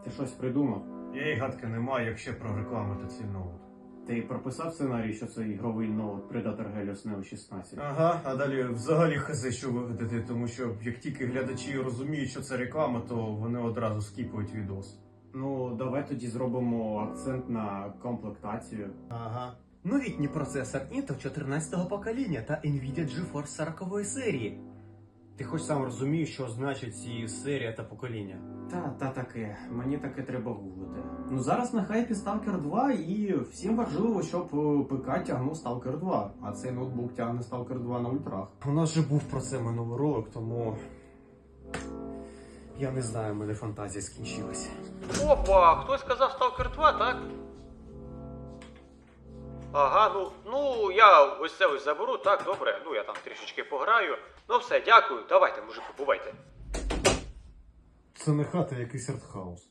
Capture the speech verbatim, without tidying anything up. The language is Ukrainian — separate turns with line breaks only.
Ти щось придумав?
Я й гадки не маю, як ще прорекламити цей ноут.
Ти прописав сценарій, що це ігровий ноут Predator Helios Neo шістнадцять?
Ага, а далі взагалі хази, що вигадати, тому що як тільки глядачі розуміють, що це реклама, то вони одразу скіпують відос.
Ну, давай тоді зробимо акцент на комплектацію.
Ага.
Новітній процесор Intel чотирнадцятого покоління та Nvidia GeForce сорокової серії. Ти хоч сам розумієш, що значить ці серія та покоління?
Та, та таке, мені таке треба гуглити. Ну зараз на хайпі Stalker два і всім важливо, щоб е, ПК тягнув Stalker два, а цей ноутбук тягне Stalker два на ультрах.
У нас же був про це минулий ролик, тому я не знаю, в мене фантазія скінчилась.
Опа, хтось сказав Stalker два, так? Ага, ну, ну я ось це ось заберу, так, добре, ну я там трішечки пограю. Ну все, дякую, давайте, мужики, бувайте.
Це не хата, якийсь артхаус.